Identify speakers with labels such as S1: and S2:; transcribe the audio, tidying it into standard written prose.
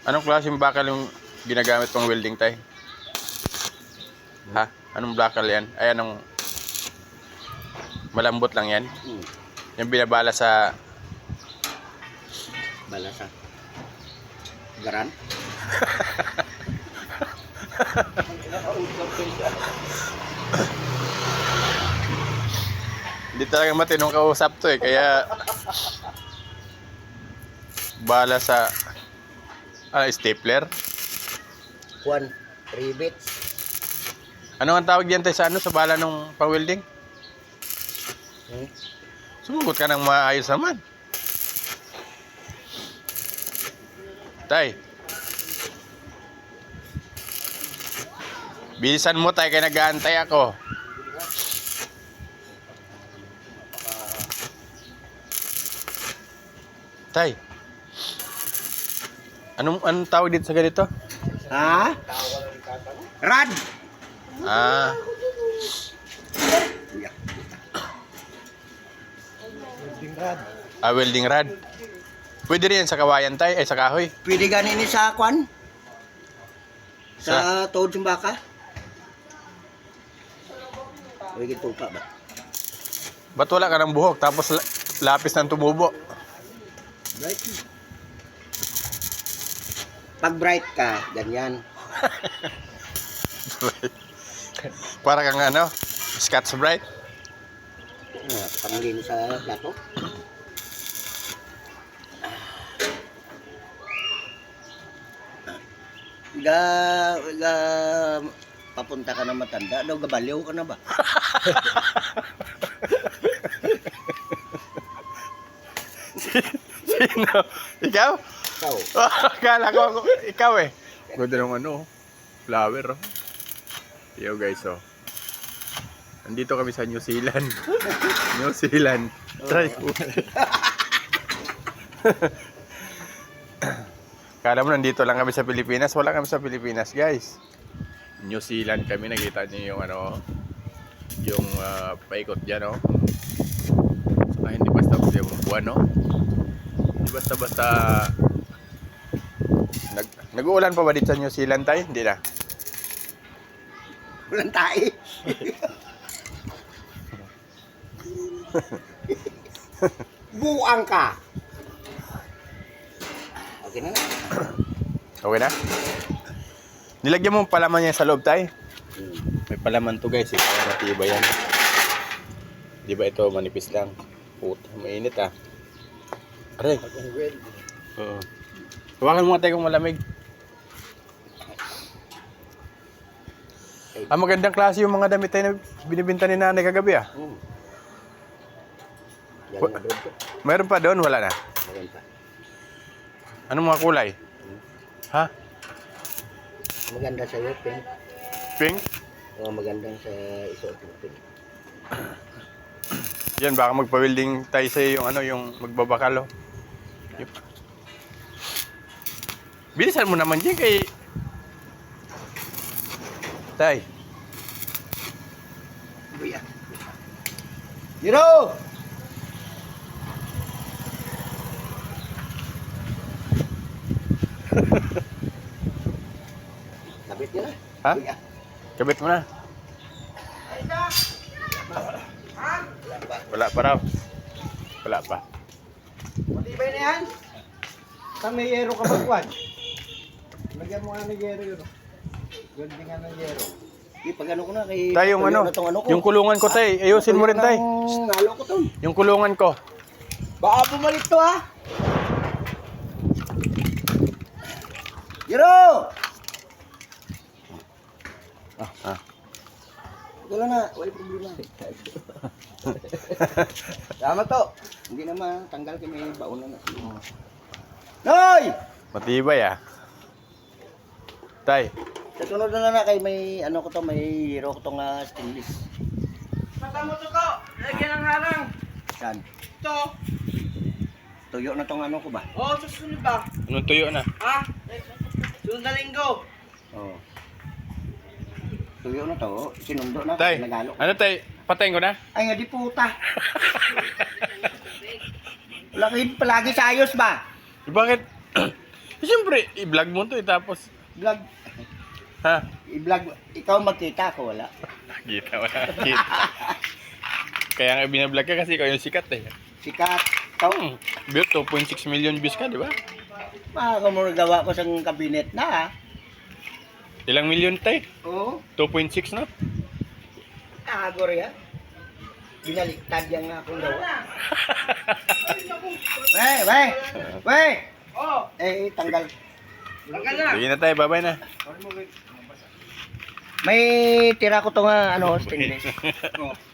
S1: Anong klaseng bakal yung ginagamit pang welding tay? Ha? Anong bakal yan? Ay, anong malambot lang yan? Yung binabala sa...
S2: Balasa. Garan?
S1: Hindi talaga matinong kausap to eh, kaya... Bala sa... stapler?
S2: Juan, rivets.
S1: Ano ang tawag diyan tay sa ano sa bala nung pang-welding? Sumugot ka ng maayos naman. Tay. Bilisan mo tay, kaya nag-aantay ako. Tay. Anong tawag dito sa ganito?
S2: Ha? Rad!
S1: Ah.
S2: Welding rad.
S1: Welding rod. Pwede rin yan sa kawayan tay, sa kahoy.
S2: Pwede ganin ni sa kwan? Sa tuhod ng baka? Pwede tupa ba?
S1: Ba't wala ka ng buhok tapos lapis ng tumubo?
S2: Bright. Pag bright ka, ganyan.
S1: Para kang ano, Scotch Brite.
S2: Panglin sa plato. Papunta ka na matanda, daw gabaliw ka na ba?
S1: Sino? Ikaw?
S2: Ikaw.
S1: Akala ko ikaw eh. Ganda ng ano, flower. Yo guys, oh. Nandito kami sa New Zealand. New Zealand. Try po. Kala mo nandito lang kami sa Pilipinas. Wala kami sa Pilipinas, guys. New Zealand kami. Nakita niyo yung ano, yung paikot dyan, oh. Saka hindi basta-basta yung buwan, no? Hindi basta-basta... Nag-uulan pa ba dito sa New Zealand tayo? Hindi na.
S2: Walang tae. Buang ka. Okay na.
S1: Okay na? Nilagyan mo palaman niya sa loob tayo. May palaman to guys, kaya matibay yan. Di ba ito manipis lang? Puta, mainit ah. Aray. Oo. Hawakan mo nga tayo kung malamig. Magandang klase yung mga damit tayo na binibinta ni nanay kagabi ah. Mayroon pa doon? Wala na?
S2: Meron pa.
S1: Anong mga kulay? Ha?
S2: Maganda sa iyo, pink.
S1: Pink?
S2: O magandang sa isuot mo, pink.
S1: Yan, baka magpa-welding tayo sa yung ano, yung magbabakal oh. Yep. Bilisan mo naman dyan kay... Tay.
S2: Buya. Hiro! Kabit nyo na.
S1: Ha?
S2: Buya.
S1: Kabit mo na. Wala pa raw. Wala pa.
S2: Matibay na yan. Saan may yero ka magwan? Lagyan mo nga ng yero yun. Ganding nga ng yero. Pag ano ko na kay...
S1: Tay, yung ano, yung kulungan ko tay. Ayusin mo rin tay.
S2: Nalo ko to.
S1: Yung kulungan ko.
S2: Baka bumalik to ha. Yero! Wala na, wala problema. Tama to. Hindi naman, tanggal kay may baon na. Noy!
S1: Matibay ah. Tay.
S2: Sa sunod na kay may ano ko to, may hero ko tong stainless.
S3: Mata mo to ko, lagyan ng harang.
S2: Saan?
S3: Ito.
S2: Tuyo na tong ano ko ba?
S3: Oo, susunod ba?
S1: Anong tuyo na?
S3: Ha? Sunod na linggo.
S2: Oo. Tuyo na to, sinundo na.
S1: Tay.
S2: Nagalo.
S1: Ano tay? Patayin ko na?
S2: Ay nga di puta. Wala kayo palagi sa ayos ba?
S1: Bakit? Siyempre, i-vlog mo to tapos.
S2: Vlog.
S1: Ha?
S2: I-vlog. Ikaw magkita ako, wala.
S1: Kita, wala. Kita. Kaya nga binablog ka kasi ikaw yung sikat eh.
S2: Sikat. Ikaw,
S1: Built 2.6 million views ka, di ba?
S2: gawa ko sa kabinet na ha.
S1: Ilang million tayo?
S2: Oo.
S1: 2.6 no?
S2: Agor yan. Binaliktad yan nga akong gawa. Wey!
S3: Oh,
S2: Tanggal.
S3: tanggal na.
S1: Sige na tayo, bye-bye na.
S2: May tira ko to nga, stainless.